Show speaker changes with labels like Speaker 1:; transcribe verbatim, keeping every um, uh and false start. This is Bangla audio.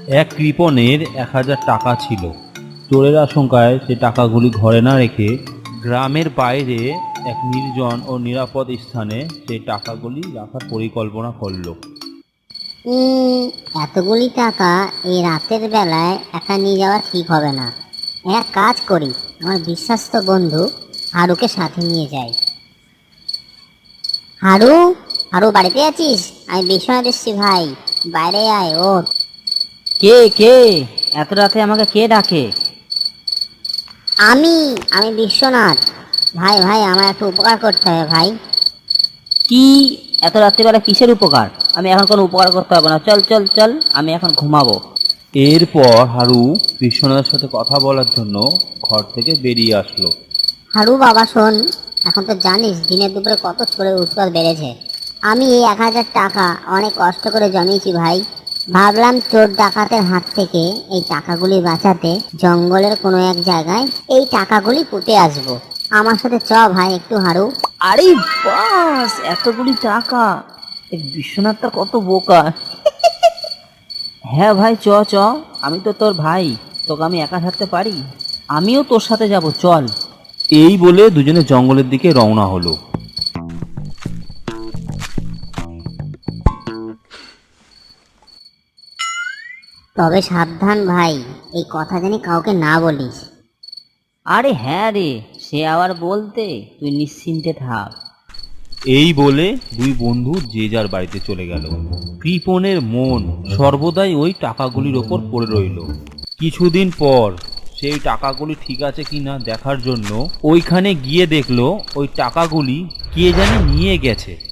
Speaker 1: এক কৃপণের এক হাজার টাকা ছিল। চোরের আশঙ্কায় সে টাকাগুলি ঘরে না রেখে গ্রামের বাইরে এক নির্জন ও নিরাপদ স্থানে সেই টাকাগুলি রাখার পরিকল্পনা করল।
Speaker 2: উম, এতগুলি টাকা এই রাতের বেলায় একা নিয়ে যাওয়া ঠিক হবে না। এক কাজ করি, আমার বিশ্বস্ত বন্ধু হারুকে সাথে নিয়ে যাই। হারু, হারু বাড়িতে আছিস? আমি বিশ্বনাথ এসছি ভাই, বাইরে আয়। ও
Speaker 3: কে কে এত রাতে আমাকে কে ডাকে?
Speaker 2: আমি আমি বিশ্বনাথ ভাই। ভাই আমার একটু উপকার করতে হবে ভাই।
Speaker 3: কি? এত রাত্রিবেলা কিসের উপকার? আমি এখন কোনো উপকার করতে হবে না, চল চল চল, আমি এখন ঘুমাবো।
Speaker 1: এরপর হারু বিশ্বনাথের সাথে কথা বলার জন্য ঘর থেকে বেরিয়ে আসলো।
Speaker 2: হারু বাবা শোন, এখন তো জানিস দিনের দুপুরে কত চোরের উৎপাত বেড়েছে। আমি এই এক হাজার টাকা অনেক কষ্ট করে জমিয়েছি ভাই। ভাবলাম চোর ডাকাতের হাত থেকে এই টাকাগুলি বাঁচাতে জঙ্গলের কোনো এক জায়গায় এই টাকাগুলি পুঁতে আসবো। আমার সাথে চ ভাই একটু হারু।
Speaker 3: আরে বাস, এতগুলি টাকা! এই বিশ্বনাথটা কত বোকা! হ্যাঁ ভাই, চ চ, আমি তো তোর ভাই, তোকে আমি একা থাকতে পারি? আমিও তোর সাথে যাব, চল।
Speaker 1: এই বলে দুজনে জঙ্গলের দিকে রওনা হলো।
Speaker 2: তবে সাবধান ভাই, এই কথা জানি কাউকে না বলিস।
Speaker 3: আরে হ্যাঁ রে, সে আবার বলতে, তুই নিশ্চিন্তে থাক।
Speaker 1: এই বলে দুই বন্ধু যে যার বাড়িতে চলে গেল। কৃপণের মন সর্বদাই ওই টাকাগুলির ওপর পড়ে রইল। কিছুদিন পর সেই টাকাগুলি ঠিক আছে কিনা দেখার জন্য ওইখানে গিয়ে দেখলো ওই টাকাগুলি কে জানি নিয়ে গেছে।